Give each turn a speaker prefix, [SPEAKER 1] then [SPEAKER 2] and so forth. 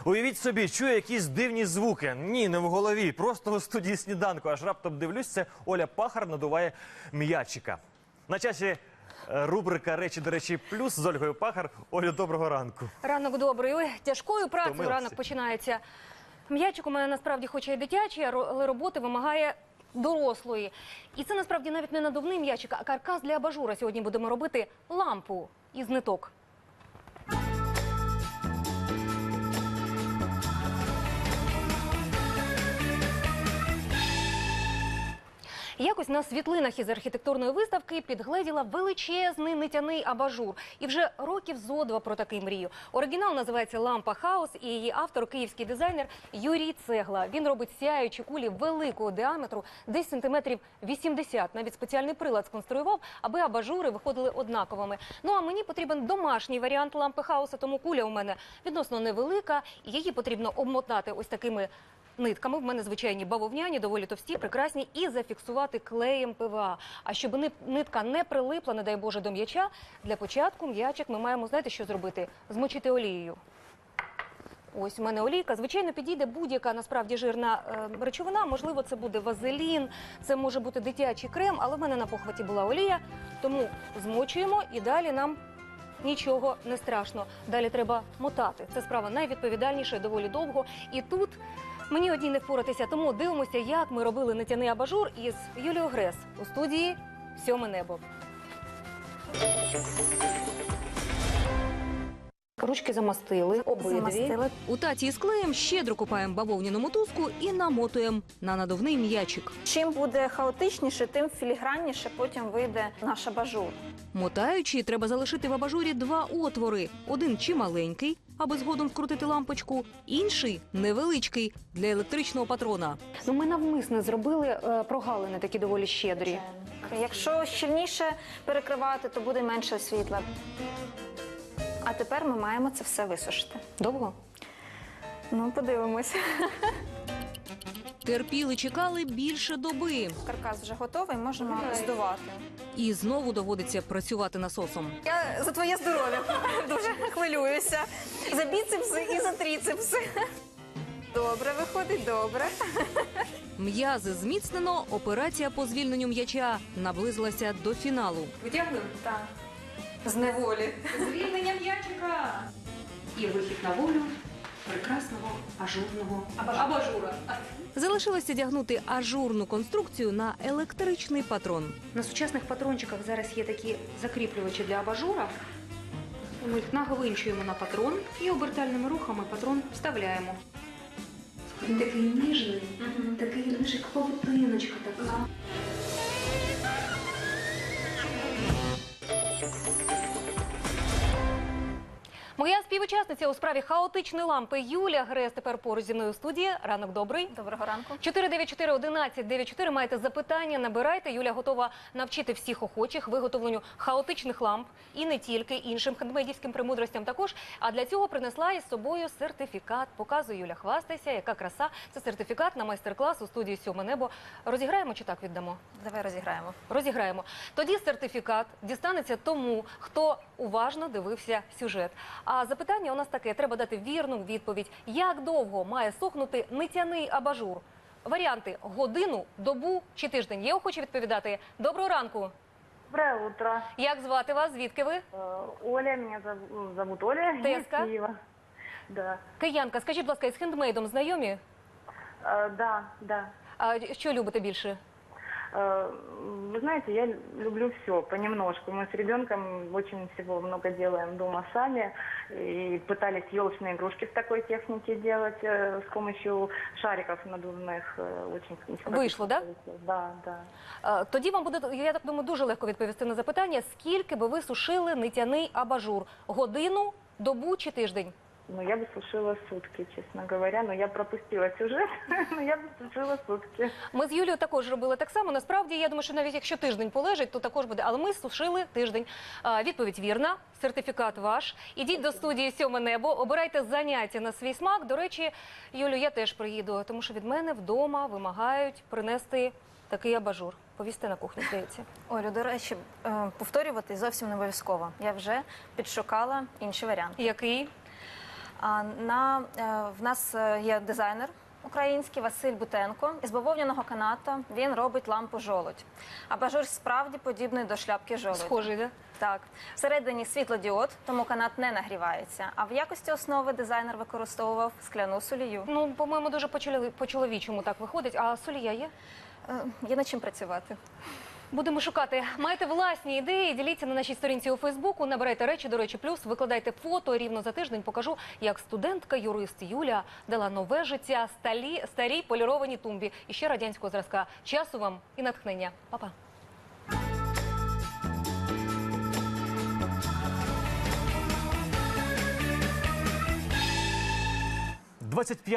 [SPEAKER 1] Уявіть собі, чую якісь дивні звуки. Ні, не в голові, просто у студії сніданку. Аж раптом дивлюсь, це Оля Пахар надуває м'ячика. На часі рубрика «Речі, до речі, плюс» з Ольгою Пахар. Олю, доброго ранку.
[SPEAKER 2] Ранок добрий. Ой, тяжкою працею
[SPEAKER 1] Втомилася.
[SPEAKER 2] ранок починається. М'ячик у мене насправді хоче і дитячий, але роботи вимагає дорослої. І це насправді навіть не надувний м'ячик, а каркас для абажура. Сьогодні будемо робити лампу із ниток. Якось на світлинах із архітектурної виставки підгледіла величезний нитяний абажур. І вже років зо два про такий мрію. Оригінал називається «Лампа Хаус» і її автор – київський дизайнер Юрій Цегла. Він робить сяючі кулі великого діаметру, десь сантиметрів 80. Навіть спеціальний прилад сконструював, аби абажури виходили однаковими. Ну а мені потрібен домашній варіант лампи Хауса, тому куля у мене відносно невелика. І її потрібно обмотати ось такими нитками, в мене звичайні бавовняні, доволі товсті, прекрасні, і зафіксувати клеєм ПВА. А щоб нитка не прилипла, не дай Боже, до м'яча, для початку м'ячик ми маємо, знаєте, що зробити? Змочити олією. Ось у мене олійка. Звичайно, підійде будь-яка, насправді, жирна речовина. Можливо, це буде вазелін, це може бути дитячий крем, але в мене на похваті була олія. Тому змочуємо і далі нам нічого не страшно. Далі треба мотати. Це справа найвідповідальніша і доволі довго. І тут мені одній не впоратися, тому дивимося, як ми робили нитяний абажур із Юлією Грес у студії «Сьоме небо». Ручки замастили, обидві. У таці із клеєм щедро купаємо бавовняну мотузку і намотуємо на надувний м'ячик.
[SPEAKER 3] Чим буде хаотичніше, тим філігранніше потім вийде наш абажур.
[SPEAKER 2] Мотаючи, треба залишити в абажурі два отвори. Один чималенький, аби згодом вкрутити лампочку, інший невеличкий, для електричного патрона. Ну, ми навмисно зробили прогалини такі доволі щедрі.
[SPEAKER 3] Якщо щільніше перекривати, то буде менше світла. А тепер ми маємо це все висушити.
[SPEAKER 2] Довго?
[SPEAKER 3] Ну, подивимось.
[SPEAKER 2] Терпіли, чекали більше доби.
[SPEAKER 3] Каркас вже готовий, можемо здувати.
[SPEAKER 2] І знову доводиться працювати насосом.
[SPEAKER 3] Я за твоє здоров'я дуже хвилююся. За біцепси і за трицепси. Добре, виходить, добре.
[SPEAKER 2] М'язи зміцнено, операція по звільненню м'яча наблизилася до фіналу. Витягуємо?
[SPEAKER 3] Так. З неволі.
[SPEAKER 2] Звільнення м'ячика! І вихід на волю прекрасного ажурного абажура. Залишилося дягнути ажурну конструкцію на електричний патрон. На сучасних патрончиках зараз є такі закріплювачі для абажура. Ми їх нагвинчуємо на патрон і обертальними рухами патрон вставляємо. Він такий ніжний, такий ніжик, павутиночка така. Моя співучасниця у справі хаотичної лампи Юлія Грес тепер поруч зі мною у студії. Ранок добрий.
[SPEAKER 3] Доброго ранку.
[SPEAKER 2] 494-1194. Маєте запитання, набирайте. Юля готова навчити всіх охочих виготовленню хаотичних ламп і не тільки, іншим хендмейдівським премудростям також. А для цього принесла із собою сертифікат. Показує Юля, хвастайся, яка краса. Це сертифікат на майстер-клас у студії «Сьоме небо». Розіграємо чи так віддамо?
[SPEAKER 3] Давай розіграємо.
[SPEAKER 2] Розіграємо. Тоді сертифікат дістанеться тому, хто уважно дивився сюжет. А запитання у нас таке, треба дати вірну відповідь. Як довго має сохнути нитяний абажур? Варіанти – годину, добу чи тиждень. Є охочі відповідати? Доброго ранку.
[SPEAKER 4] Доброе утро.
[SPEAKER 2] Як звати вас? Звідки ви?
[SPEAKER 4] Оля, меня зовут Оля. Я из
[SPEAKER 2] Теска?
[SPEAKER 4] Киева. Да.
[SPEAKER 2] Киянка, скажіть, будь ласка, із хендмейдом знайомі?
[SPEAKER 4] Да.
[SPEAKER 2] А що любите більше?
[SPEAKER 4] Вы знаете, я люблю все понемножку. Мы с ребенком очень всего много делаем дома сами. И пытались елочные игрушки в такой технике делать с помощью шариков надувных. Очень
[SPEAKER 2] Вийшло, да?
[SPEAKER 4] Да.
[SPEAKER 2] Тоді вам буде, я так думаю, дуже легко відповісти на запитання, скільки би ви сушили нитяний абажур? Годину, добу чи тиждень?
[SPEAKER 4] Ну, я бы сушила сутки, честно говоря. Но я пропустила сюжет, но я бы сушила сутки.
[SPEAKER 2] Ми з Юлією також робили так само. Насправді, я думаю, що навіть якщо тиждень полежить, то також буде. Але ми сушили тиждень. Відповідь вірна, сертифікат ваш. Ідіть до студії «Сьоме небо», обирайте заняття на свій смак. До речі, Юлю, я теж приїду, тому що від мене вдома вимагають принести такий абажур. Повісти на кухню, здається.
[SPEAKER 3] Олю, до речі, повторювати зовсім не обов'язково. Я вже підшукала інший варіант.
[SPEAKER 2] Який?
[SPEAKER 3] В нас є дизайнер український Василь Бутенко. Із бавовняного каната він робить лампу жолудь. Абажур справді подібний до шляпки жолудя.
[SPEAKER 2] Схожий, да?
[SPEAKER 3] Так. Всередині світлодіод, тому канат не нагрівається. А в якості основи дизайнер використовував скляну солію.
[SPEAKER 2] Ну, по-моєму, дуже по-чоловічому так виходить. А солія є?
[SPEAKER 3] Є над чим працювати.
[SPEAKER 2] Будемо шукати. Маєте власні ідеї, діліться на нашій сторінці у Фейсбуку, набирайте речі до речі плюс, викладайте фото. Рівно за тиждень покажу, як студентка-юрист Юля дала нове життя старій полірованій тумбі. І ще радянського зразка. Часу вам і натхнення. Па-па.
[SPEAKER 1] 25